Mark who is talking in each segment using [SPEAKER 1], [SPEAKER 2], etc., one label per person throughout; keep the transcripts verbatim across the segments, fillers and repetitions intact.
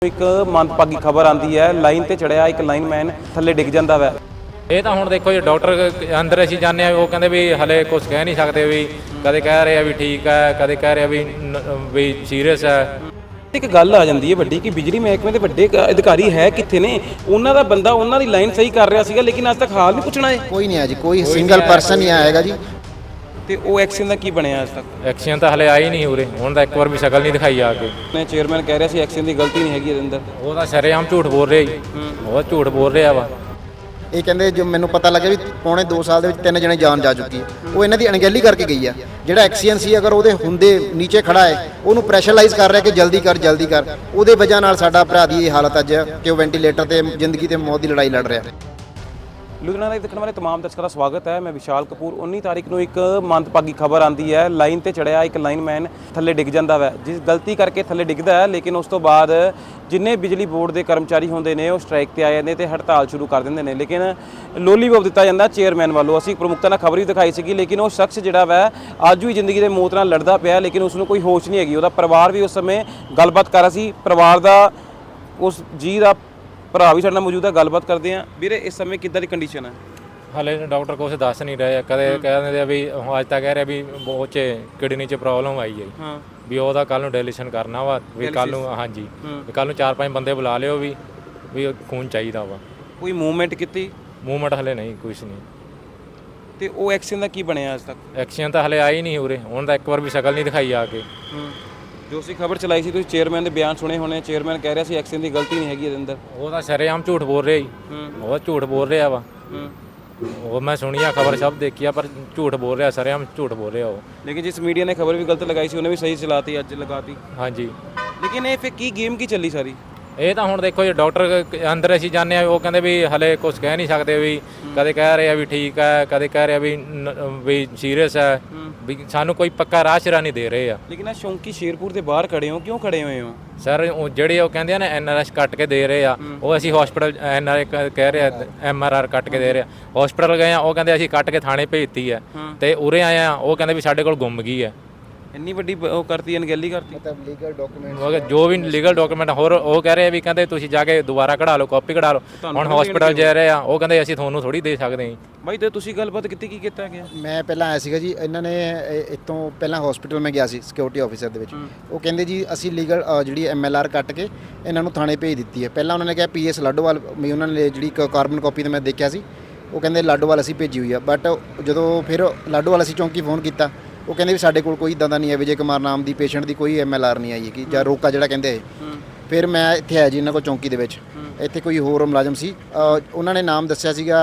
[SPEAKER 1] एक मंदभागी खबर आती है लाइन ते चढ़िया एक लाइनमैन थले डिग जाता वै।
[SPEAKER 2] ਇਹ ਤਾਂ ਹੁਣ ਦੇਖੋ ਜੀ ਡਾਕਟਰ ਅੰਦਰ ਅਸੀਂ ਜਾਂਦੇ ਆ ਉਹ ਕਹਿੰਦੇ ਵੀ ਹਲੇ ਕੁਝ ਕਹਿ ਨਹੀਂ ਸਕਦੇ ਵੀ ਕਦੇ ਕਹਿ ਰਹੇ ਆ ਵੀ ਠੀਕ ਹੈ ਕਦੇ ਕਹਿ ਰਹੇ ਆ ਵੀ ਵੀ ਸੀਰੀਅਸ ਹੈ।
[SPEAKER 1] ਇੱਕ ਗੱਲ ਆ ਜਾਂਦੀ ਹੈ ਵੱਡੀ ਕਿ ਬਿਜਲੀ ਮਹਿਕਮੇ ਦੇ ਵੱਡੇ ਅਧਿਕਾਰੀ ਹੈ ਕਿੱਥੇ ਨੇ, ਉਹਨਾਂ ਦਾ ਬੰਦਾ ਉਹਨਾਂ ਦੀ ਲਾਈਨ ਸਹੀ ਕਰ ਰਿਹਾ ਸੀਗਾ ਲੇਕਿਨ ਅੱਜ ਤੱਕ ਹਾਲ ਨਹੀਂ ਪੁੱਛਣਾ ਹੈ।
[SPEAKER 3] ਕੋਈ ਨਹੀਂ ਹੈ ਜੀ, ਕੋਈ ਸਿੰਗਲ ਪਰਸਨ ਹੀ ਆਏਗਾ ਜੀ।
[SPEAKER 1] ਤੇ ਉਹ ਐਕਸ਼ਨ ਦਾ ਕੀ ਬਣਿਆ ਅੱਜ ਤੱਕ?
[SPEAKER 2] ਐਕਸ਼ਨ ਤਾਂ ਹਲੇ ਆਈ ਨਹੀਂ ਉਰੇ, ਹੁਣ ਤਾਂ ਇੱਕ ਵਾਰ ਵੀ ਸ਼ਕਲ ਨਹੀਂ ਦਿਖਾਈ ਆ ਕੇ।
[SPEAKER 1] ਮੈਂ ਚੇਅਰਮੈਨ ਕਹਿ ਰਿਹਾ ਸੀ ਐਕਸ਼ਨ ਦੀ ਗਲਤੀ ਨਹੀਂ ਹੈਗੀ ਇਹਦੇ ਅੰਦਰ।
[SPEAKER 2] ਉਹ ਤਾਂ ਸ਼ਰੇਆਮ ਝੂਠ ਬੋਲ ਰਿਹਾ ਜੀ, ਬਹੁਤ ਝੂਠ ਬੋਲ ਰਿਹਾ ਵਾ।
[SPEAKER 3] ਇਹ ਕਹਿੰਦੇ ਜੋ ਮੈਨੂੰ ਪਤਾ ਲੱਗਿਆ ਵੀ ਪੌਣੇ ਦੋ ਸਾਲ ਦੇ ਵਿੱਚ ਤਿੰਨ ਜਣੇ ਜਾਨ ਜਾ ਚੁੱਕੀ ਹੈ, ਉਹ ਇਹਨਾਂ ਦੀ ਅਣਗਹਿਲੀ ਕਰਕੇ ਗਈ ਆ। ਜਿਹੜਾ ਐਕਸੀਅਨ ਸੀ ਅਗਰ ਉਹਦੇ ਹੁੰਦੇ ਨੀਚੇ ਖੜਾ ਹੈ ਉਹਨੂੰ ਪ੍ਰੈਸ਼ਰਾਈਜ਼ ਕਰ ਰਿਹਾ ਕਿ ਜਲਦੀ ਕਰ ਜਲਦੀ ਕਰ, ਉਹਦੇ ਵਜ੍ਹਾ ਨਾਲ ਸਾਡਾ ਭਰਾ ਦੀ ਇਹ ਹਾਲਤ ਅੱਜ ਕਿ ਉਹ ਵੈਂਟੀਲੇਟਰ ਤੇ ਜ਼ਿੰਦਗੀ ਤੇ ਮੌਤ ਦੀ ਲੜਾਈ ਲੜ ਰਿਹਾ।
[SPEAKER 1] ਲੁਧਿਆਣਾ ਦੇ ਦੇਖਣ ਵਾਲੇ तमाम ਦਰਸ਼ਕਾਂ ਦਾ ਸਵਾਗਤ ਹੈ। ਮੈਂ ਵਿਸ਼ਾਲ ਕਪੂਰ। ਉੱਨੀ ਤਾਰੀਖ ਨੂੰ ਇੱਕ ਮੰਦਭਾਗੀ ਖਬਰ ਆਉਂਦੀ ਹੈ ਲਾਈਨ ਤੇ ਚੜਿਆ ਇੱਕ ਲਾਈਨਮੈਨ ਥੱਲੇ ਡਿੱਗ ਜਾਂਦਾ ਵੈ, ਜਿਸ ਗਲਤੀ ਕਰਕੇ ਥੱਲੇ ਡਿੱਗਦਾ ਹੈ ਲੇਕਿਨ ਉਸ ਤੋਂ ਬਾਅਦ ਜਿੰਨੇ ਬਿਜਲੀ ਬੋਰਡ ਦੇ ਕਰਮਚਾਰੀ ਹੁੰਦੇ ਨੇ ਉਹ ਸਟ੍ਰਾਈਕ ਤੇ ਆ ਜਾਂਦੇ ਤੇ ਹੜਤਾਲ ਸ਼ੁਰੂ ਕਰ ਦਿੰਦੇ ਨੇ, ਲੇਕਿਨ ਲੋਲੀਪੌਪ ਦਿੱਤਾ ਜਾਂਦਾ ਚੇਅਰਮੈਨ ਵੱਲੋਂ। ਅਸੀਂ ਪ੍ਰਮੁਖਤਾ ਨਾਲ ਖਬਰ ਵੀ ਦਿਖਾਈ ਸੀਗੀ ਲੇਕਿਨ ਉਹ ਸ਼ਖਸ ਜਿਹੜਾ ਵੈ ਅੱਜ ਵੀ ਜ਼ਿੰਦਗੀ ਦੇ ਮੌਤ ਨਾਲ ਲੜਦਾ ਪਿਆ ਲੇਕਿਨ ਉਸ ਨੂੰ ਕੋਈ ਹੋਸ਼ ਨਹੀਂ ਹੈਗੀ। ਉਹਦਾ ਪਰਿਵਾਰ ਵੀ ਉਸ ਸਮੇਂ ਗੱਲਬਾਤ ਕਰ ਰਿਹਾ ਸੀ, ਪਰਿਵਾਰ ਦਾ ਉਸ ਜੀ ਦਾ ਭਰਾ ਵੀ ਸਾਡੇ ਨਾਲ ਮੌਜੂਦ ਹੈ, ਗੱਲਬਾਤ ਕਰਦੇ ਹਾਂ। ਵੀਰੇ ਇਸ ਸਮੇਂ ਕਿੱਦਾਂ ਦੀ ਕੰਡੀਸ਼ਨ ਹੈ?
[SPEAKER 2] ਹਲੇ ਡਾਕਟਰ ਕੁਛ ਦੱਸ ਨਹੀਂ ਰਹੇ, ਕਦੇ ਕਹਿ ਦਿੰਦੇ ਆ ਵੀ ਅੱਜ ਤਾਂ ਕਹਿ ਰਿਹਾ ਵੀ ਉਹ 'ਚ ਕਿਡਨੀ 'ਚ ਪ੍ਰੋਬਲਮ ਆਈ ਹੈ
[SPEAKER 1] ਹਾਂ
[SPEAKER 2] ਵੀ ਉਹਦਾ ਕੱਲ ਨੂੰ ਡਾਇਲੇਸ਼ਨ ਕਰਨਾ ਵਾ ਵੀ ਕੱਲ ਨੂੰ। ਹਾਂਜੀ ਵੀ ਕੱਲ ਨੂੰ ਚਾਰ ਪੰਜ ਬੰਦੇ ਬੁਲਾ ਲਿਓ ਵੀ ਵੀ ਖੂਨ ਚਾਹੀਦਾ ਵਾ।
[SPEAKER 1] ਕੋਈ ਮੂਵਮੈਂਟ ਕੀਤੀ?
[SPEAKER 2] ਮੂਵਮੈਂਟ ਹਲੇ ਨਹੀਂ, ਕੁਛ ਨਹੀਂ।
[SPEAKER 1] ਤੇ ਉਹ ਐਕਸ਼ਨ ਦਾ ਕੀ ਬਣਿਆ ਅੱਜ ਤੱਕ?
[SPEAKER 2] ਐਕਸ਼ਨ ਤਾਂ ਹਲੇ ਆਈ ਨਹੀਂ ਉਰੇ, ਹੁਣ ਤਾਂ ਇੱਕ ਵਾਰ ਵੀ ਸ਼ਕਲ ਨਹੀਂ ਦਿਖਾਈ ਆ ਕੇ।
[SPEAKER 1] ਜੋ ਅਸੀਂ ਖਬਰ ਚਲਾਈ ਸੀ ਤੁਸੀਂ ਚੇਅਰਮੈਨ ਦੇ ਬਿਆਨ ਸੁਣੇ ਹੋਣੇ, ਚੇਅਰਮੈਨ ਕਹਿ ਰਿਹਾ ਸੀ ਐਕਸ਼ਨ ਦੀ ਗਲਤੀ ਨਹੀਂ ਹੈਗੀ ਇਹਦੇ ਅੰਦਰ।
[SPEAKER 2] ਉਹ ਤਾਂ ਸ਼ਰੇਆਮ ਝੂਠ ਬੋਲ ਰਿਹਾ ਜੀ, ਬਹੁਤ ਝੂਠ ਬੋਲ ਰਿਹਾ ਵਾ। ਉਹ ਮੈਂ ਸੁਣੀ ਆ ਖਬਰ, ਸਭ ਦੇਖੀ ਆ, ਪਰ ਝੂਠ ਬੋਲ ਰਿਹਾ, ਸ਼ਰੇਆਮ ਝੂਠ ਬੋਲ ਰਿਹਾ ਉਹ।
[SPEAKER 1] ਲੇਕਿਨ ਜਿਸ ਮੀਡੀਆ ਨੇ ਖਬਰ ਵੀ ਗਲਤ ਲਗਾਈ ਸੀ ਉਹਨੇ ਵੀ ਸਹੀ ਚਲਾਤੀ, ਅੱਜ ਲਗਾਤੀ।
[SPEAKER 2] ਹਾਂਜੀ
[SPEAKER 1] ਲੇਕਿਨ ਇਹ ਫਿਰ ਕੀ ਗੇਮ ਕੀ ਚੱਲੀ ਸਾਰੀ?
[SPEAKER 2] ਇਹ ਤਾਂ ਹੁਣ ਦੇਖੋ ਜੀ ਡਾਕਟਰ ਅੰਦਰ ਅਸੀਂ ਜਾਂਦੇ ਆ ਉਹ ਕਹਿੰਦੇ ਵੀ ਹਲੇ ਕੁਝ ਕਹਿ ਨਹੀਂ ਸਕਦੇ ਵੀ ਕਦੇ ਕਹਿ ਰਹੇ ਆ ਵੀ ਠੀਕ ਹੈ ਕਦੇ ਕਹਿ ਰਹੇ ਆ ਵੀ ਵੀ ਸੀਰੀਅਸ ਹੈ, ਵੀ ਸਾਨੂੰ ਕੋਈ ਪੱਕਾ ਰਾਹ ਸ਼ਰਾ ਨਹੀਂ ਦੇ ਰਹੇ ਆ।
[SPEAKER 1] ਲੇਕਿਨ ਆ ਸ਼ੌਂਕੀ ਸ਼ੇਰਪੁਰ ਦੇ ਬਾਹਰ ਖੜੇ ਹੋ, ਕਿਉਂ ਖੜੇ ਹੋਏ ਹੋ
[SPEAKER 2] ਸਰ? ਉਹ ਜਿਹੜੇ ਉਹ ਕਹਿੰਦੇ ਆ ਨਾ ਐਨ ਆਰ ਐਸ ਕੱਟ ਕੇ ਦੇ ਰਹੇ ਆ, ਉਹ ਅਸੀਂ ਹਸਪੀਟਲ ਐਨ ਆਰ ਕਹਿ ਰਹੇ ਆ ਐਮ ਆਰ ਆਰ ਕੱਟ ਕੇ ਦੇ ਰਹੇ ਆ। ਹਸਪੀਟਲ ਗਏ ਆ ਉਹ ਕਹਿੰਦੇ ਅਸੀਂ ਕੱਟ ਕੇ ਥਾਣੇ ਭੇਜਤੀ ਹੈ, ਤੇ ਉਰੇ ਆਏ ਆ ਉਹ ਕਹਿੰਦੇ ਵੀ ਸਾਡੇ ਕੋਲ ਗੁੰਮ ਗਈ ਹੈ।
[SPEAKER 1] ਇੰਨੀ ਵੱਡੀ ਉਹ ਕਰਤੀ, ਅਣਗਹਿਲੀ ਕਰਤੀ।
[SPEAKER 3] ਮਤਲਬ ਲੀਗਲ ਡਾਕੂਮੈਂਟ
[SPEAKER 2] ਜੋ ਵੀ ਲੀਗਲ ਡਾਕੂਮੈਂਟ ਹੋਰ ਉਹ ਕਹਿ ਰਹੇ ਵੀ ਕਹਿੰਦੇ ਤੁਸੀਂ ਜਾ ਕੇ ਦੁਬਾਰਾ ਕਢਾ ਲਓ, ਕਾਪੀ ਕਢਾ ਲਓ। ਹੁਣ ਹਸਪੀਟਲ ਜਾ ਰਹੇ ਆ ਉਹ ਕਹਿੰਦੇ ਅਸੀਂ ਤੁਹਾਨੂੰ ਥੋੜੀ ਦੇ ਸਕਦੇ ਹਾਂ।
[SPEAKER 1] ਬਾਈ ਤੇ ਤੁਸੀਂ ਗੱਲਬਾਤ ਕੀਤੀ, ਕੀ ਕੀਤਾ ਗਿਆ?
[SPEAKER 3] ਮੈਂ ਪਹਿਲਾਂ ਆਇਆ ਸੀਗਾ ਜੀ, ਇਹਨਾਂ ਨੇ ਇੱਥੋਂ ਪਹਿਲਾਂ ਹਸਪੀਟਲ ਮੈਂ ਗਿਆ ਸੀ ਸਿਕਿਉਰਿਟੀ ਆਫੀਸਰ ਦੇ ਵਿੱਚ। ਉਹ ਕਹਿੰਦੇ ਜੀ ਅਸੀਂ ਲੀਗਲ ਜਿਹੜੀ ਐਮ ਐਲ ਆਰ ਕੱਟ ਕੇ ਇਹਨਾਂ ਨੂੰ ਥਾਣੇ ਭੇਜ ਦਿੱਤੀ ਹੈ। ਪਹਿਲਾਂ ਉਹਨਾਂ ਨੇ ਕਿਹਾ ਪੀ ਐਸ ਲਾਡੋਵਾਲ, ਵੀ ਉਹਨਾਂ ਨੇ ਜਿਹੜੀ ਕਾਰਬਨ ਕਾਪੀ ਤੇ ਮੈਂ ਦੇਖਿਆ ਸੀ, ਉਹ ਕਹਿੰਦੇ ਲਾਡੋਵਾਲ ਅਸੀਂ ਭੇਜੀ ਹੋਈ ਆ। ਬਟ ਜਦੋਂ ਫਿਰ ਲਾਡੋਵਾਲ ਅਸੀਂ ਚੌਂਕੀ ਫੋਨ ਕੀਤਾ ਉਹ ਕਹਿੰਦੇ ਵੀ ਸਾਡੇ ਕੋਲ ਕੋਈ ਇੱਦਾਂ ਦਾ ਨਹੀਂ ਹੈ, ਵਿਜੇ ਕੁਮਾਰ ਨਾਮ ਦੀ ਪੇਸ਼ੈਂਟ ਦੀ ਕੋਈ ਐਮ ਐਲ ਆਰ ਨਹੀਂ ਆਈ ਹੈਗੀ ਜਾਂ ਰੋਕਾ ਜਿਹੜਾ ਕਹਿੰਦੇ। ਫਿਰ ਮੈਂ ਇੱਥੇ ਆਇਆ ਜੀ ਇਹਨਾਂ ਕੋਲ ਚੌਂਕੀ ਦੇ ਵਿੱਚ। ਇੱਥੇ ਕੋਈ ਹੋਰ ਮੁਲਾਜ਼ਮ ਸੀ, ਉਹਨਾਂ ਨੇ ਨਾਮ ਦੱਸਿਆ ਸੀਗਾ,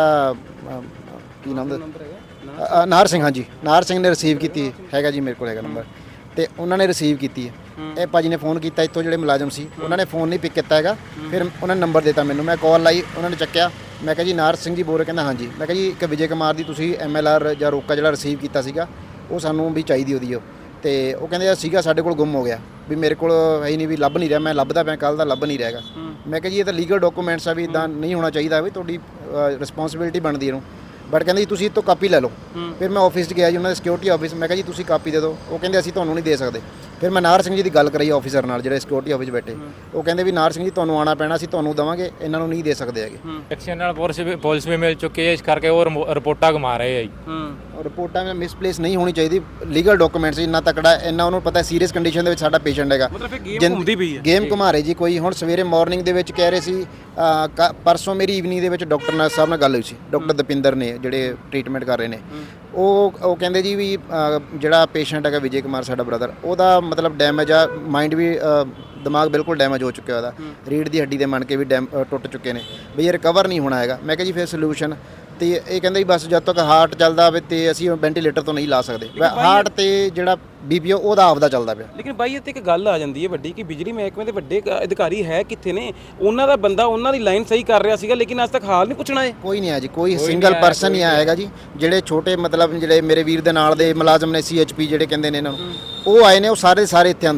[SPEAKER 3] ਕੀ ਨਾਮ ਦਾ, ਨਾਹਰ ਸਿੰਘ। ਹਾਂਜੀ ਨਾਹਰ ਸਿੰਘ ਨੇ ਰਿਸੀਵ ਕੀਤੀ ਹੈਗਾ ਜੀ, ਮੇਰੇ ਕੋਲ ਹੈਗਾ ਨੰਬਰ, ਤੇ ਉਹਨਾਂ ਨੇ ਰਿਸੀਵ ਕੀਤੀ ਹੈ। ਇਹ ਭਾਜੀ ਨੇ ਫੋਨ ਕੀਤਾ ਇੱਥੋਂ ਜਿਹੜੇ ਮੁਲਾਜ਼ਮ ਸੀ, ਉਹਨਾਂ ਨੇ ਫੋਨ ਨਹੀਂ ਪਿਕ ਕੀਤਾ ਹੈਗਾ। ਫਿਰ ਉਹਨਾਂ ਨੇ ਨੰਬਰ ਦਿੱਤਾ ਮੈਨੂੰ, ਮੈਂ ਕਾਲ ਲਾਈ, ਉਹਨਾਂ ਨੇ ਚੱਕਿਆ। ਮੈਂ ਕਿਹਾ ਜੀ ਨਾਹਰ ਸਿੰਘ ਜੀ ਬੋਲ ਰਹੇ? ਕਹਿੰਦਾ ਹਾਂਜੀ। ਮੈਂ ਕਿਹਾ ਜੀ ਇੱਕ ਵਿਜੇ ਕੁਮਾਰ ਦੀ ਤੁਸੀਂ ਐਮ ਐਲ ਆਰ ਜਾਂ ਰੋਕਾ ਜਿਹੜਾ ਰਿਸੀਵ ਕੀਤਾ ਸੀਗਾ ਉਹ ਸਾਨੂੰ ਵੀ ਚਾਹੀਦੀ ਉਹਦੀ ਉਹ। ਤੇ ਉਹ ਕਹਿੰਦੇ ਸੀਗਾ ਸਾਡੇ ਕੋਲ ਗੁੰਮ ਹੋ ਗਿਆ, ਵੀ ਮੇਰੇ ਕੋਲ ਹੈ ਹੀ ਨਹੀਂ, ਵੀ ਲੱਭ ਨਹੀਂ ਰਿਹਾ, ਮੈਂ ਲੱਭਦਾ ਪਿਆ ਕੱਲ ਦਾ, ਲੱਭ ਨਹੀਂ ਰਿਹਾਗਾ। ਮੈਂ ਕਿਹਾ ਜੀ ਇਹ ਤਾਂ ਲੀਗਲ ਡਾਕੂਮੈਂਟਸ ਆ, ਵੀ ਇਦਾਂ ਨਹੀਂ ਹੋਣਾ ਚਾਹੀਦਾ, ਵੀ ਤੁਹਾਡੀ ਰਿਸਪੌਂਸਿਬਿਲਿਟੀ ਬਣਦੀ ਇਹਨੂੰ। ਬਟ ਕਹਿੰਦੇ ਜੀ ਤੁਸੀਂ ਇਹ ਤੋਂ ਕਾਪੀ ਲੈ ਲਓ। ਫਿਰ ਮੈਂ ਆਫਿਸ 'ਚ ਗਿਆ ਜੀ, ਉਹਨਾਂ ਦੇ ਸਿਕਿਉਰਿਟੀ ਆਫਿਸ। ਮੈਂ ਕਿਹਾ ਜੀ ਤੁਸੀਂ ਕਾਪੀ ਦੇ ਦਿਓ। ਉਹ ਕਹਿੰਦੇ ਅਸੀਂ ਤੁਹਾਨੂੰ ਨਹੀਂ ਦੇ ਸਕਦੇ। ਫਿਰ ਮੈਂ ਨਾਹਰ ਸਿੰਘ ਜੀ ਦੀ ਗੱਲ ਕਰਾਈ ਆਫਿਸਰ ਨਾਲ ਜਿਹੜੇ ਸਿਕਿਉਰਿਟੀ ਆਫਿਸ ਬੈਠੇ। ਉਹ ਕਹਿੰਦੇ ਵੀ ਨਾਹਰ ਸਿੰਘ ਜੀ ਤੁਹਾਨੂੰ ਆਉਣਾ ਪੈਣਾ, ਅਸੀਂ ਤੁਹਾਨੂੰ ਦੇਵਾਂਗੇ, ਇਹਨਾਂ ਨੂੰ ਨਹੀਂ ਦੇ ਸਕਦੇ ਹੈਗੇ।
[SPEAKER 2] ਐਕਸ਼ਨ ਨਾਲ ਪੁਲਿਸ ਵੀ ਪੁਲਿਸ ਵੀ ਮਿਲ ਚੁੱਕੀ ਹੈ, ਇਸ ਕਰਕੇ ਉਹ ਰਿਪੋਰਟਾਂ ਘੁਮਾ ਰਹੇ ਆ ਜੀ।
[SPEAKER 3] ਰਿਪੋਰਟਾਂ ਵਿੱਚ ਮਿਸਪਲੇਸ ਨਹੀਂ ਹੋਣੀ ਚਾਹੀਦੀ, ਲੀਗਲ ਡਾਕੂਮੈਂਟਸ ਇੰਨਾ ਤਕੜਾ, ਇੰਨਾ ਉਹਨੂੰ ਪਤਾ ਸੀਰੀਅਸ ਕੰਡੀਸ਼ਨ ਦੇ ਵਿੱਚ ਸਾਡਾ ਪੇਸ਼ੈਂਟ ਹੈਗਾ।
[SPEAKER 1] ਮਤਲਬ ਫਿਰ ਗੇਮ ਘੁੰਮਦੀ ਪਈ ਹੈ, ਗੇਮ
[SPEAKER 3] ਘੁਮਾ ਰਹੇ ਜੀ ਕੋਈ। ਹੁਣ ਸਵੇਰੇ ਮਾਰਨਿੰਗ ਦੇ ਵਿੱਚ ਕਹਿ ਰਹੇ ਸੀ, ਪਰਸੋਂ ਮੇਰੀ ਈਵਨਿੰਗ ਦੇ ਵਿੱਚ ਡਾਕਟਰ ਨਾਲ ਸਾਹਿਬ ਨਾਲ ਗੱਲ ਹੋਈ ਸੀ, ਡਾਕਟਰ ਦਪਿੰਦਰ ਨੇ ਜਿਹੜੇ ਟ੍ਰੀਟਮੈਂਟ ਕਰ ਰਹੇ ਨੇ। ਉਹ ਉਹ ਕਹਿੰਦੇ ਜੀ ਵੀ ਜਿਹੜਾ ਪੇਸ਼ੈਂਟ ਹੈਗਾ ਵਿਜੇ ਕੁਮਾਰ ਸਾਡਾ ਬ੍ਰਦਰ, ਉਹਦਾ ਮਤਲਬ ਡੈਮੇਜ ਆ, ਮਾਈਂਡ ਵੀ, ਦਿਮਾਗ ਬਿਲਕੁਲ ਡੈਮੇਜ ਹੋ ਚੁੱਕਿਆ ਉਹਦਾ, ਰੀੜ੍ਹ ਦੀ ਹੱਡੀ ਦੇ ਮਣਕੇ ਵੀ ਡੈਮ ਟੁੱਟ ਚੁੱਕੇ ਨੇ, ਵੀ ਇਹ ਰਿਕਵਰ ਨਹੀਂ ਹੋਣਾ ਹੈਗਾ। ਮੈਂ ਕਿਹਾ ਜੀ ਫਿਰ ਸੋਲੂਸ਼ਨ? ਤੇ ਇਹ ਕਹਿੰਦੇ ਬਸ ਜਦ ਤੱਕ ਹਾਰਟ ਚੱਲਦਾ ਹੋਵੇ ਤੇ ਅਸੀਂ ਵੈਂਟੀਲੇਟਰ ਤੋਂ ਨਹੀਂ ਲਾ ਸਕਦੇ। ਹਾਰਟ ਤੇ ਜਿਹੜਾ ਬੀਪੀ ਉਹਦਾ ਆਪਦਾ ਚੱਲਦਾ ਪਿਆ।
[SPEAKER 1] ਲੇਕਿਨ ਬਾਈ ਇੱਥੇ ਇੱਕ ਗੱਲ ਆ ਜਾਂਦੀ ਹੈ ਵੱਡੀ ਕਿ ਬਿਜਲੀ ਮਹਿਕਮੇ ਦੇ ਵੱਡੇ ਅਧਿਕਾਰੀ ਹੈ ਕਿੱਥੇ ਨੇ? ਉਹਨਾਂ ਦਾ ਬੰਦਾ ਉਹਨਾਂ ਦੀ ਲਾਈਨ ਸਹੀ ਕਰ ਰਿਹਾ ਸੀਗਾ ਲੇਕਿਨ ਅੱਜ ਤੱਕ ਹਾਲ ਨਹੀਂ ਪੁੱਛਣਾ ਹੈ।
[SPEAKER 3] ਕੋਈ ਨਹੀਂ ਹੈ ਜੀ, ਕੋਈ ਸਿੰਗਲ ਪਰਸਨ ਹੀ ਆਏਗਾ ਜੀ। ਜਿਹੜੇ ਛੋਟੇ ਮਤਲਬ ਜਿਹੜੇ ਮੇਰੇ ਵੀਰ ਦੇ ਨਾਲ ਦੇ ਮੁਲਾਜ਼ਮ ਨੇ ਸੀ ਐਚ ਪੀ ਜਿਹੜੇ ਕਹਿੰਦੇ ਨੇ ਇਹਨਾਂ ਨੂੰ, ਉਹ ਆਏ ਨੇ, ਉਹ ਸਾਰੇ ਸਾਰੇ ਇੱਥੇ ਆਉਂਦੇ ਨੇ।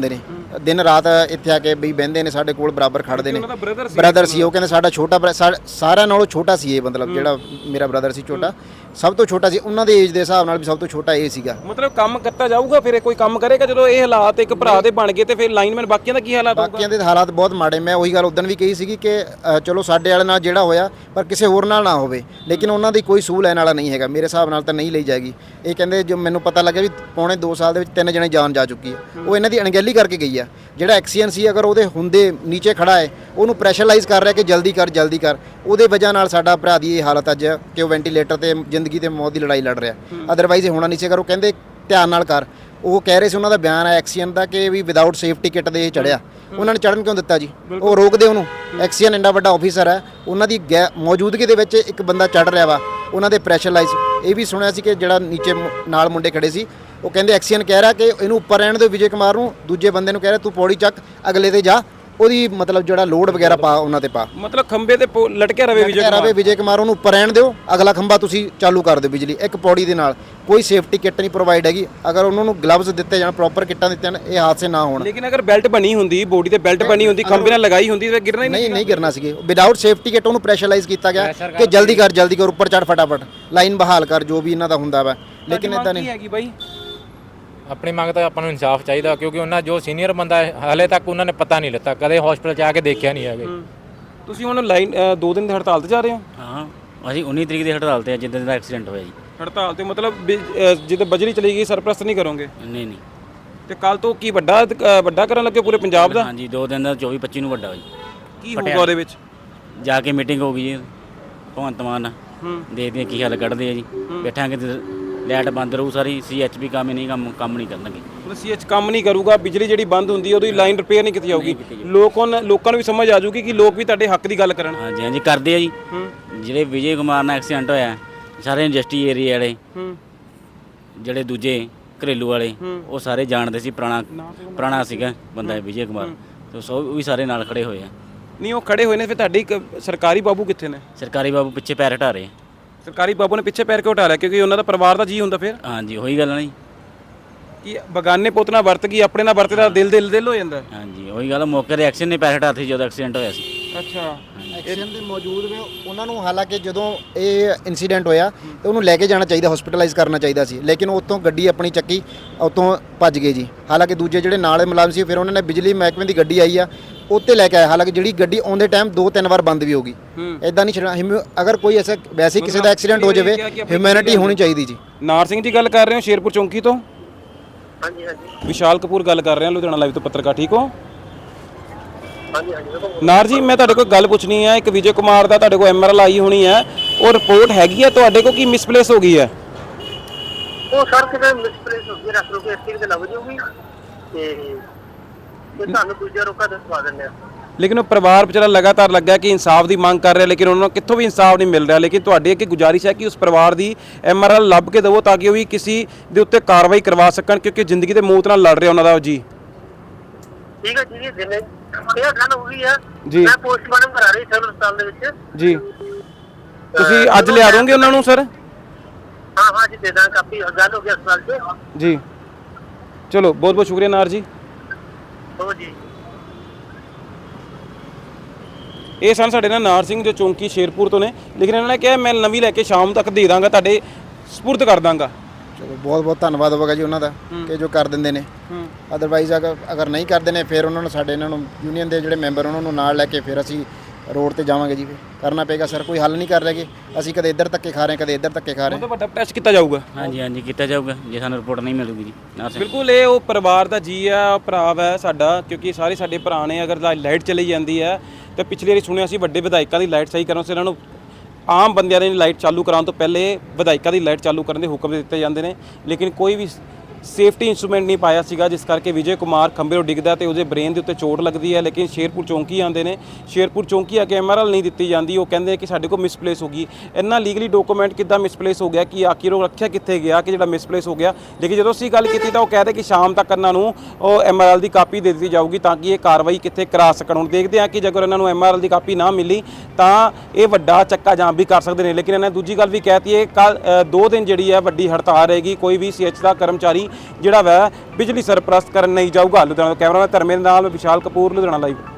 [SPEAKER 3] ਦਿਨ ਰਾਤ ਇੱਥੇ ਆ ਕੇ ਵੀ ਬਹਿੰਦੇ ਨੇ ਸਾਡੇ ਕੋਲ ਬਰਾਬਰ ਖੜਦੇ ਨੇ।
[SPEAKER 1] ਉਹਨਾਂ ਦਾ ਬ੍ਰਦਰ ਸੀ
[SPEAKER 3] ਬ੍ਰਦਰ ਸੀ, ਉਹ ਕਹਿੰਦੇ ਸਾਡਾ ਛੋਟਾ ਭਰਾ- ਸਾ- ਸਾਰਿਆਂ ਨਾਲੋਂ ਛੋਟਾ ਸੀ ਇਹ, ਮਤਲਬ ਜਿਹੜਾ ਮੇਰਾ ਬ੍ਰਦਰ ਸੀ ਛੋਟਾ, ਸਭ ਤੋਂ ਛੋਟਾ ਸੀ ਉਹਨਾਂ ਦੇ ਏਜ ਦੇ ਹਿਸਾਬ ਨਾਲ ਵੀ ਸਭ ਤੋਂ ਛੋਟਾ ਇਹ ਸੀਗਾ।
[SPEAKER 1] ਮਤਲਬ ਕੰਮ ਕਰਤਾ ਜਾਊਗਾ ਫਿਰ ਇਹ ਕੋਈ ਕੰਮ ਕਰੇਗਾ ਜਦੋਂ ਇਹ ਹਾਲਾਤ ਇੱਕ ਭਰਾ ਦੇ ਬਣ ਗਏ ਤੇ ਫਿਰ ਲਾਈਨਮੈਨ ਬਾਕੀਆਂ ਦਾ ਕੀ ਹਾਲਾਤ ਹੋਊਗਾ?
[SPEAKER 3] ਬਾਕੀਆਂ ਦੇ ਹਾਲਾਤ ਬਹੁਤ ਮਾੜੇ। ਮੈਂ ਉਹੀ ਗੱਲ ਉਦੋਂ ਵੀ ਕਹੀ ਸੀਗੀ ਕਿ ਅ, ਚਲੋ ਸਾਡੇ ਵਾਲੇ ਨਾਲ ਜਿਹੜਾ ਹੋਇਆ ਪਰ ਕਿਸੇ ਹੋਰ ਨਾਲ ਨਾ ਹੋਵੇ, ਲੇਕਿਨ ਉਹਨਾਂ ਦੀ ਕੋਈ ਸੂਹ ਲੈਣ ਵਾਲਾ ਨਹੀਂ ਹੈਗਾ ਮੇਰੇ ਹਿਸਾਬ ਨਾਲ ਤਾਂ ਨਹੀਂ ਲਈ ਜਾਏਗੀ। ਇਹ ਕਹਿੰਦੇ ਜੋ ਮੈਨੂੰ ਪਤਾ ਲੱਗਿਆ ਵੀ ਪੌਣੇ ਦੋ ਸਾਲ ਦੇ ਵਿੱਚ ਤਿੰਨ ਜਣੇ ਜਾਨ ਜਾ ਚੁੱਕੀ ਹੈ, ਉਹ ਇਹਨਾਂ ਦੀ ਅਣਗਹਿਲੀ ਕਰਕੇ ਗਈ ਆ। ਜਿਹੜਾ ਐਕਸੀਅਨ ਸੀ ਅਗਰ ਉਹਦੇ ਹੁੰਦੇ ਨੀਚੇ ਖੜਾ ਹੈ ਉਹਨੂੰ ਪ੍ਰੈਸ਼ਰਾਈਜ਼ ਕਰ ਰਿਹਾ ਕਿ ਜਲਦੀ ਕਰ ਜਲਦੀ ਕਰ, ਉਹਦੇ ਵਜ੍ਹਾ ਨਾਲ ਸਾਡਾ ਭਰਾ ਦੀ ਇਹ ਹਾਲਤ ਅੱਜ ਕਿ ਉਹ ਵੈਂਟੀਲੇਟਰ ਤੇ ਜ਼ਿੰਦਗੀ ਤੇ ਮੌਤ ਦੀ ਲੜਾਈ ਲੜ ਰਿਹਾ। ਅਦਰਵਾਈਜ਼ ਇਹ ਹੋਣਾ ਨਹੀਂ ਸੀ। ਅਗਰ ਉਹ ਕਹਿੰਦੇ ਧਿਆਨ ਨਾਲ ਕਰ, ਉਹ ਕਹਿ ਰਹੇ ਸੀ ਉਹਨਾਂ ਦਾ ਬਿਆਨ ਹੈ ਐਕਸੀਅਨ ਦਾ ਕਿ ਵੀ ਵਿਦਆਊਟ ਸੇਫਟੀ ਕਿੱਟ ਦੇ ਇਹ ਚੜਿਆ। ਉਹਨਾਂ ਨੇ ਚੜਨ ਕਿਉਂ ਦਿੱਤਾ ਜੀ? ਉਹ ਰੋਕਦੇ ਉਹਨੂੰ। ਐਕਸੀਅਨ ਇੰਨਾ ਵੱਡਾ ਆਫੀਸਰ ਹੈ, ਉਹਨਾਂ ਦੀ ਗੈ ਮੌਜੂਦਗੀ ਦੇ ਵਿੱਚ ਇੱਕ ਬੰਦਾ ਚੜ ਰਿਹਾ ਵਾ, ਉਹਨਾਂ ਦੇ ਪ੍ਰੈਸ਼ਰਾਈਜ਼। ਇਹ ਵੀ ਸੁਣਿਆ ਸੀ ਕਿ ਜਿਹੜਾ ਨੀਚੇ ਮੁ- ਨਾਲ ਮੁੰਡੇ ਖੜੇ ਸੀ ਉਹ ਕਹਿੰਦੇ ਐਕਸੀਅਨ ਕਹਿ ਰਿਹਾ ਕਿ ਇਹਨੂੰ ਉੱਪਰ ਰਹਿਣ ਦਿਓ ਵਿਜੇ ਕੁਮਾਰ ਨੂੰ, ਦੂਜੇ ਬੰਦੇ ਨੂੰ ਕਹਿ ਰਿਹਾ ਤੂੰ ਪੌੜੀ ਚੱਕ ਅਗਲੇ ਤੇ ਜਾ, ਉਹਦੀ ਮਤਲਬ ਜਿਹੜਾ ਲੋਡ ਵਗੈਰਾ ਪਾ ਉਹਨਾਂ ਤੇ ਪਾ,
[SPEAKER 1] ਮਤਲਬ ਖੰਬੇ ਤੇ ਪੋ- ਲਟਕਿਆ ਰਵੇ ਵਿਜੇ
[SPEAKER 3] ਵਿਜੇ
[SPEAKER 1] ਕੁਮਾਰ।
[SPEAKER 3] ਰਵੇ ਵਿਜੇ ਕੁਮਾਰ ਉਹਨੂੰ ਉੱਪਰ ਰਹਿਣ ਦਿਓ, ਅਗਲਾ ਖੰਭਾ ਤੁਸੀਂ ਚਾਲੂ ਕਰ ਦਿਓ ਬਿਜਲੀ ਇੱਕ ਪੌੜੀ ਦੇ ਨਾਲ। ਕੋਈ ਸੇਫਟੀ ਕਿੱਟ ਨਹੀਂ ਪ੍ਰੋਵਾਈਡ ਹੈਗੀ। ਅਗਰ ਉਹਨਾਂ ਨੂੰ ਗਲਵਜ਼ ਦਿੱਤੇ ਜਾਣ, ਪ੍ਰੋਪਰ ਕਿੱਟਾਂ ਦਿੱਤੀਆਂ ਜਾਣ, ਇਹ ਹਾਦਸੇ ਨਾ ਹੋਣ।
[SPEAKER 1] ਲੇਕਿਨ ਅਗਰ ਬੈਲਟ ਬਣੀ ਹੁੰਦੀ, ਬੋਡੀ ਤੇ ਬੈਲਟ ਬਣੀ ਹੁੰਦੀ, ਖੰਬੇ ਨਾਲ ਲਗਾਈ ਹੁੰਦੀ ਤਾਂ ਗਿਰਨਾ ਹੀ ਨਹੀਂ।
[SPEAKER 3] ਨਹੀਂ ਨਹੀਂ ਗਿਰਨਾ ਸੀਗੇ। ਵਿਦਆਊਟ ਸੇਫਟੀ ਕਿੱਟ ਉਹਨੂੰ ਪ੍ਰੈਸ਼ਰਾਈਜ਼ ਕੀਤਾ ਗਿਆ ਕਿ ਜਲਦੀ ਕਰ ਜਲਦੀ ਕਰ, ਉੱਪਰ ਚੜ ਫਟਾਫਟ, ਲਾਈਨ ਬਹਾਲ ਕਰ, ਜੋ ਵੀ ਇਹਨਾਂ ਦਾ ਹੁੰਦਾ ਵਾ। ਲੇਕਿਨ ਇਦਾਂ ਨਹੀਂ
[SPEAKER 1] ਹੈਗੀ ਬਾਈ।
[SPEAKER 2] ਆਪਣੀ ਮੰਗ ਤਾਂ ਆਪਾਂ ਨੂੰ ਇਨਸਾਫ ਚਾਹੀਦਾ, ਕਿਉਂਕਿ ਉਹਨਾਂ ਜੋ ਸੀਨੀਅਰ ਬੰਦਾ ਹੈ ਹਾਲੇ ਤੱਕ ਉਹਨਾਂ ਨੇ ਪਤਾ ਨਹੀਂ ਲਿੱਤਾ, ਕਦੇ ਹਸਪੀਟਲ 'ਚ ਆ ਕੇ ਦੇਖਿਆ ਨਹੀਂ ਹੈਗੇ।
[SPEAKER 1] ਤੁਸੀਂ ਹੁਣ ਲਾਈਨ ਦੋ ਦਿਨ ਦੀ ਹੜਤਾਲ ਤੇ ਜਾ ਰਹੇ ਹੋ?
[SPEAKER 4] ਹਾਂ ਅਸੀਂ ਉੱਨੀ ਤਰੀਕ ਦੀ ਹੜਤਾਲ ਤੇ ਆ, ਜਿੱਦਣ ਦਾ ਐਕਸੀਡੈਂਟ ਹੋਇਆ ਜੀ।
[SPEAKER 1] ਹੜਤਾਲ ਤੇ ਮਤਲਬ ਵੀ, ਅ, ਜਿੱਦਾਂ ਬਜਰੀ ਚਲੀ ਗਈ ਸਰਪ੍ਰਸਤ ਨਹੀਂ ਕਰੋਗੇ?
[SPEAKER 4] ਨਹੀਂ ਨਹੀਂ
[SPEAKER 1] ਤੇ ਕੱਲ ਤੋਂ ਕੀ ਵੱਡਾ ਅ, ਵੱਡਾ ਕਰਨ ਲੱਗੇ ਪੂਰੇ ਪੰਜਾਬ ਦਾ?
[SPEAKER 4] ਹਾਂਜੀ ਦੋ ਦਿਨ ਦਾ ਚੌਵੀ ਪੱਚੀ ਨੂੰ ਵੱਡਾ ਹੋਇਆ ਜੀ।
[SPEAKER 1] ਕੀ ਹੋਊਗਾ ਉਹਦੇ ਵਿੱਚ?
[SPEAKER 4] ਜਾ ਕੇ ਮੀਟਿੰਗ ਹੋ ਗਈ ਜੀ ਭਗਵੰਤ ਮਾਨ ਨਾਲ,
[SPEAKER 1] ਹੂੰ
[SPEAKER 4] ਦੇਖਦੇ ਆ ਕੀ ਹੱਲ ਕੱਢਦੇ ਆ ਜੀ। ਬੈਠਾਂਗੇ ਤੇ ਲਾਈਟ ਬੰਦ ਰਹੂ ਸਾਰੀ, ਸੀ ਐਚ ਪੀ ਕੰਮ ਹੀ ਨਹੀਂ ਕੰਮ ਕੰਮ ਨਹੀਂ ਕਰਨਗੇ।
[SPEAKER 1] ਮਤਲਬ ਸੀ ਐਚ ਕੰਮ ਨਹੀਂ ਕਰੂਗਾ, ਬਿਜਲੀ ਜਿਹੜੀ ਬੰਦ ਹੁੰਦੀ ਹੈ ਉਹਦੀ ਲਾਈਨ ਰਿਪੇਅਰ ਨਹੀਂ ਕੀਤੀ ਜਾਊਗੀ। ਲੋਕਾਂ ਨੂੰ ਲੋਕਾਂ ਨੂੰ ਵੀ ਸਮਝ ਆ ਜਾਊਗੀ ਕਿ ਲੋਕ ਵੀ ਤੁਹਾਡੇ ਹੱਕ ਦੀ ਗੱਲ ਕਰਨ।
[SPEAKER 4] ਹਾਂਜੀ ਹਾਂਜੀ ਕਰਦੇ ਆ ਜੀ।
[SPEAKER 1] ਹੂੰ
[SPEAKER 4] ਜਿਹੜੇ ਵਿਜੇ ਕੁਮਾਰ ਨਾਲ ਐਕਸੀਡੈਂਟ ਹੋਇਆ, ਸਾਰੇ ਇੰਡਸਟਰੀ ਏਰੀਆ ਵਾਲੇ,
[SPEAKER 1] ਹੂੰ
[SPEAKER 4] ਜਿਹੜੇ ਦੂਜੇ ਘਰੇਲੂ ਵਾਲੇ, ਉਹ ਸਾਰੇ ਜਾਣਦੇ ਸੀ। ਪੁਰਾਣਾ ਪੁਰਾਣਾ ਸੀਗਾ ਬੰਦਾ ਵਿਜੇ ਕੁਮਾਰ, ਤੇ ਸੋ ਉਹ ਵੀ ਸਾਰੇ ਨਾਲ ਖੜੇ ਹੋਏ ਆ।
[SPEAKER 1] ਨਹੀਂ ਉਹ ਖੜੇ ਹੋਏ ਨੇ, ਫਿਰ ਤੁਹਾਡੀ ਇੱਕ ਸਰਕਾਰੀ ਬਾਬੂ ਕਿੱਥੇ ਨੇ?
[SPEAKER 4] ਸਰਕਾਰੀ ਬਾਬੂ ਪਿੱਛੇ ਪੈਰ ਹਟਾ ਰਹੇ ਆ।
[SPEAKER 1] ਸਰਕਾਰੀ ਬਾਬੂ ਨੇ ਪਿੱਛੇ ਪੈਰ ਕਿਉਂ ਹਟਾ ਲਿਆ? ਕਿਉਂਕਿ ਉਹਨਾਂ ਦਾ ਪਰਿਵਾਰ ਦਾ ਜੀ ਹੁੰਦਾ ਫਿਰ।
[SPEAKER 4] ਹਾਂਜੀ ਉਹੀ ਗੱਲ ਨਹੀਂ।
[SPEAKER 1] ਕਿ ਬਗਾਨੇ ਪੁੱਤ ਨਾਲ ਵਰਤ ਗਈ, ਆਪਣੇ ਨਾਲ ਵਰਤੇ ਦਾ ਦਿਲ ਦਿਲ ਦਿਲ ਹੋ ਜਾਂਦਾ।
[SPEAKER 4] ਹਾਂਜੀ ਉਹੀ ਗੱਲ, ਮੌਕੇ ਤੇ ਐਕਸ਼ਨ ਨੇ ਪੈਰ ਹਟਾਤੇ ਜਦੋਂ ਐਕਸੀਡੈਂਟ ਹੋਇਆ ਸੀ।
[SPEAKER 1] ਅੱਛਾ
[SPEAKER 3] ਐਕਸੀਡੈਂਟ ਦੇ ਮੌਜੂਦ ਨੇ ਉਹਨਾਂ ਨੂੰ, ਹਾਲਾਂਕਿ ਜਦੋਂ ਇਹ ਇਨਸੀਡੈਂਟ ਹੋਇਆ ਤੇ ਉਹਨੂੰ ਲੈ ਕੇ ਜਾਣਾ ਚਾਹੀਦਾ, ਹਸਪੀਟਲਾਈਜ਼ ਕਰਨਾ ਚਾਹੀਦਾ ਸੀ, ਲੇਕਿਨ ਉੱਥੋਂ ਗੱਡੀ ਆਪਣੀ ਚੱਕੀ ਉੱਥੋਂ ਭੱਜ ਗਏ ਜੀ। ਹਾਲਾਂਕਿ ਦੂਜੇ ਜਿਹੜੇ ਨਾਲ ਮੁਲਾਜ਼ਮ ਸੀ, ਫਿਰ ਉਹਨਾਂ ਨੇ ਬਿਜਲੀ ਮਹਿਕਮੇ ਦੀ ਗੱਡੀ ਆਈ ਆ ਉੱਤੇ ਲੈ ਕੇ ਆਏ। ਹਾਲਾਂਕਿ ਜਿਹੜੀ ਗੱਡੀ ਆਉਂਦੇ ਟਾਈਮ ਦੋ ਤਿੰਨ ਵਾਰ ਬੰਦ ਵੀ ਹੋ ਗਈ। ਇਦਾਂ ਨਹੀਂ ਛੱਡਣਾ। ਹਿਊਮੈ- ਅਗਰ ਕੋਈ ਐਸਾ ਵੈਸੇ ਹੀ ਕਿਸੇ ਦਾ ਐਕਸੀਡੈਂਟ ਹੋ ਜਾਵੇ, ਹਿਊਮੈਨਿਟੀ ਹੋਣੀ ਚਾਹੀਦੀ ਜੀ।
[SPEAKER 1] ਨਾਰ ਸਿੰਘ ਜੀ ਗੱਲ ਕਰ ਰਹੇ ਹੋ ਸ਼ੇਰਪੁਰ ਚੌਂਕੀ ਤੋਂ?
[SPEAKER 5] ਹਾਂਜੀ ਹਾਂਜੀ
[SPEAKER 1] ਵਿਸ਼ਾਲ ਕਪੂਰ ਗੱਲ ਕਰ ਰਹੇ ਹਾਂ ਲੁਧਿਆਣਾ ਲਾਈਵ ਤੋਂ ਪੱਤਰਕਾਰ। ਠੀਕ ਹੋ?
[SPEAKER 5] ਹਾਂਜੀ ਹਾਂਜੀ
[SPEAKER 1] ਨਾਰ ਜੀ ਮੈਂ ਤੁਹਾਡੇ ਕੋਲ ਗੱਲ ਪੁੱਛਣੀ ਹੈ। ਇੱਕ ਵਿਜੇ ਕੁਮਾਰ ਦਾ ਤੁਹਾਡੇ ਕੋਲ ਐਮ ਆਰ ਐਲ ਆਈ ਹੋਣੀ ਹੈ, ਉਹ ਰਿਪੋਰਟ ਹੈਗੀ ਹੈ ਤੁਹਾਡੇ ਕੋਲ, ਕੀ ਮਿਸਪਲੇਸ ਹੋ ਗਈ ਹੈ?
[SPEAKER 5] ਉਹ ਸਰ ਕਿਤੇ ਮਿਸਪਲੇਸ ਹੋ ਗਈ, ਰੱਖ ਲਓ ਕਿ ਇੱਥੇ ਕਿਤੇ ਲੱਗ ਜਾਊਗੀ ਤੇ ਤੇ ਤੁਹਾਨੂੰ ਦੂਜਾ ਰੋਕਾ ਦਸਵਾ ਦਿੰਦੇ ਆ।
[SPEAKER 1] ਲੇਕਿਨ ਉਹ ਪਰਿਵਾਰ ਵਿਚਾਰਾ ਲਗਾਤਾਰ ਲੱਗਾ ਕਿ ਇਨਸਾਫ ਦੀ ਮੰਗ ਕਰ ਰਿਹਾ, ਲੇਕਿਨ ਉਹਨਾਂ ਨੂੰ ਕਿੱਥੋਂ ਵੀ ਇਨਸਾਫ ਨਹੀਂ ਮਿਲ ਰਿਹਾ। ਲੇਕਿਨ ਤੁਹਾਡੀ ਅੱਗੇ ਗੁਜ਼ਾਰਿਸ਼ ਹੈ ਕਿ ਉਸ ਪਰਿਵਾਰ ਦੀ ਐਮ ਆਰ ਐਲ ਲੱਭ ਕੇ ਦੇਵੋ ਤਾਂ ਕਿ ਉਹ ਵੀ ਕਿਸੇ ਦੇ ਉੱਤੇ ਕਾਰਵਾਈ ਕਰਵਾ ਸਕਣ, ਕਿਉਂਕਿ ਜ਼ਿੰਦਗੀ ਦੇ ਮੌਤ ਨਾਲ ਲੜ ਰਿਹਾ ਉਹਨਾਂ ਦਾ ਜੀ।
[SPEAKER 5] ਠੀਕ ਹੈ ਜੀ, ਜਿੰਨੇ ਇਹ ਗੱਲ ਹੋ ਗਈ ਆ
[SPEAKER 1] ਜੀ।
[SPEAKER 5] ਮੈਂ ਪੋਸਟਮਾਰਟਮ ਕਰਾ ਰਹੀ ਸਿਵਲ ਹਸਪਤਾਲ ਦੇ ਵਿੱਚ।
[SPEAKER 1] ਜੀ ਤੁਸੀਂ ਅੱਜ ਲਿਆ ਦੋਗੇ ਉਹਨਾਂ ਨੂੰ ਸਰ?
[SPEAKER 5] ਹਾਂ ਹਾਂ ਜੀ ਦੇ ਦਾਂ, ਕਾਫੀ ਗੱਲ ਹੋ ਗਈ ਹਸਪਤਾਲ 'ਚ
[SPEAKER 1] ਜੀ। ਚਲੋ ਬਹੁਤ ਬਹੁਤ ਸ਼ੁਕਰੀਆ ਨਾਰ ਜੀ।
[SPEAKER 5] ਹੋ ਜੀ।
[SPEAKER 1] ਇਹ ਸਨ ਸਾਡੇ ਨਾਲ ਨਾਰ ਸਿੰਘ ਜੋ ਚੌਂਕੀ ਸ਼ੇਰਪੁਰ ਤੋਂ ਨੇ, ਲੇਕਿਨ ਇਹਨਾਂ ਨੇ ਕਿਹਾ ਮੈਂ ਨਵੀਂ ਲੈ ਕੇ ਸ਼ਾਮ ਤੱਕ ਦੇ ਦਾਂਗਾ, ਤੁਹਾਡੇ ਸਪੁਰਦ ਕਰ ਦਾਂਗਾ।
[SPEAKER 3] ਚਲੋ ਬਹੁਤ ਬਹੁਤ ਧੰਨਵਾਦ ਹੋਵੇਗਾ ਜੀ ਉਹਨਾਂ ਦਾ ਕਿ ਜੋ ਕਰ ਦਿੰਦੇ ਨੇ। ਅਦਰਵਾਈਜ਼ ਅਗਰ ਅਗਰ ਨਹੀਂ ਕਰਦੇ ਨੇ ਫਿਰ ਉਹਨਾਂ ਨੂੰ, ਸਾਡੇ ਇਹਨਾਂ ਨੂੰ ਯੂਨੀਅਨ ਦੇ ਜਿਹੜੇ ਮੈਂਬਰ ਉਹਨਾਂ ਨੂੰ ਨਾਲ ਲੈ ਕੇ ਫਿਰ ਅਸੀਂ ਰੋਡ ਤੇ ਜਾਵਾਂਗੇ ਜੀ। ਫਿਰ ਕਰਨਾ ਪਏਗਾ ਸਰ, ਕੋਈ ਹੱਲ ਨਹੀਂ ਕਰ ਰਹੇਗੇ। ਅਸੀਂ ਕਦੇ ਇੱਧਰ ਧੱਕੇ ਖਾ ਰਹੇ, ਕਦੇ ਇੱਧਰ ਧੱਕੇ ਖਾ ਰਹੇ।
[SPEAKER 1] ਬਹੁਤ ਵੱਡਾ ਪ੍ਰੈਸ ਕੀਤਾ ਜਾਊਗਾ।
[SPEAKER 4] ਹਾਂਜੀ ਹਾਂਜੀ ਕੀਤਾ ਜਾਊਗਾ ਜੇ ਸਾਨੂੰ ਰਿਪੋਰਟ ਨਹੀਂ ਮਿਲੂਗੀ ਜੀ। ਨਾਰ ਸਿੰਘ
[SPEAKER 1] ਬਿਲਕੁਲ ਇਹ ਉਹ ਪਰਿਵਾਰ ਦਾ ਜੀ ਆ, ਭਰਾ ਹੈ ਸਾਡਾ, ਕਿਉਂਕਿ ਸਾਰੇ ਸਾਡੇ ਭਰਾ ਨੇ। ਅਗਰ ਲਾਈਟ ਚਲੀ ਜਾਂਦੀ ਹੈ ਤਾਂ ਪਿਛਲੀ ਵਾਰੀ ਸੁਣਿਆ ਸੀ ਵੱਡੇ ਵਿਧਾਇਕਾਂ ਦੀ ਲਾਈਟ ਸਹੀ ਕਰਨ ਵਾਸਤੇ ਇਹਨਾਂ ਨੂੰ ਆਮ ਬੰਦਿਆਂ ਦੀ ਲਾਈਟ ਚਾਲੂ ਕਰਾਉਣ ਤੋਂ ਪਹਿਲੇ ਵਿਧਾਇਕਾਂ ਦੀ ਲਾਈਟ ਚਾਲੂ ਕਰਨ ਦੇ ਹੁਕਮ ਦਿੱਤੇ ਜਾਂਦੇ ਨੇ, ਲੇਕਿਨ ਕੋਈ ਵੀ ਸੇਫਟੀ ਇੰਸਟਰੂਮੈਂਟ ਨਹੀਂ ਪਾਇਆ ਸੀਗਾ, ਜਿਸ ਕਰਕੇ ਵਿਜੇ ਕੁਮਾਰ ਖੰਭੇ ਤੋਂ ਡਿੱਗਦਾ ਤੇ ਉਹਦੇ ਬ੍ਰੇਨ ਦੇ ਉੱਤੇ ਚੋਟ ਲੱਗਦੀ ਹੈ। ਲੇਕਿਨ ਸ਼ੇਰਪੁਰ ਚੌਂਕੀ ਆਉਂਦੇ ਨੇ, ਸ਼ੇਰਪੁਰ ਚੌਂਕੀ ਆ ਕੇ ਐਮ ਆਰ ਐਲ ਨਹੀਂ ਦਿੱਤੀ ਜਾਂਦੀ। ਉਹ ਕਹਿੰਦੇ ਕਿ ਸਾਡੇ ਕੋਲ ਮਿਸਪਲੇਸ ਹੋ ਗਈ। ਇੰਨਾ ਲੀਗਲੀ ਡਾਕੂਮੈਂਟ ਕਿੱਦਾਂ ਮਿਸਪਲੇਸ ਹੋ ਗਿਆ, ਕਿ ਆਖਿਰ ਉਹ ਰੱਖਿਆ ਕਿੱਥੇ ਗਿਆ ਕਿ ਜਿਹੜਾ ਮਿਸਪਲੇਸ ਹੋ ਗਿਆ। ਲੇਕਿਨ ਜਦੋਂ ਅਸੀਂ ਗੱਲ ਕੀਤੀ ਤਾਂ ਉਹ ਕਹਿੰਦੇ ਕਿ ਸ਼ਾਮ ਤੱਕ ਇਹਨਾਂ ਨੂੰ ਉਹ ਐਮ ਆਰ ਐਲ ਦੀ ਕਾਪੀ ਦੇ ਦਿੱਤੀ ਜਾਊਗੀ ਤਾਂ ਕਿ ਇਹ ਕਾਰਵਾਈ ਕਿੱਥੇ ਕਰਾ ਸਕਣ। ਹੁਣ ਦੇਖਦੇ ਹਾਂ ਕਿ ਜੇਕਰ ਇਹਨਾਂ ਨੂੰ ਐਮ ਆਰ ਐਲ ਦੀ ਕਾਪੀ ਨਾ ਮਿਲੀ ਤਾਂ ਇਹ ਵੱਡਾ ਚੱਕਾ ਜਾਮ ਵੀ ਕਰ ਸਕਦੇ ਨੇ। ਲੇਕਿਨ ਇਹਨਾਂ ਦੂਜੀ ਗੱਲ ਵੀ ਕਹਿਤੀ ਹੈ, ਕੱਲ ਦੋ ਦਿਨ ਜਿਹੜੀ ਹੈ ਵੱਡੀ ਹੜਤਾਲ ਰਹੇਗੀ, ਕੋਈ ਵੀ ਸੀ ਐਚ ਦਾ ਕਰਮਚਾਰੀ ਜਿਹੜਾ ਵਾ ਬਿਜਲੀ ਸਰਪ੍ਰਸਤ ਕਰਨ ਨਹੀਂ ਜਾਊਗਾ। ਲੁਧਿਆਣਾ ਤੋਂ ਕੈਮਰਾਮੈਨ ਧਰਮੇ ਦੇ ਨਾਲ ਵਿਸ਼ਾਲ ਕਪੂਰ, ਲੁਧਿਆਣਾ ਲਾਈਵ।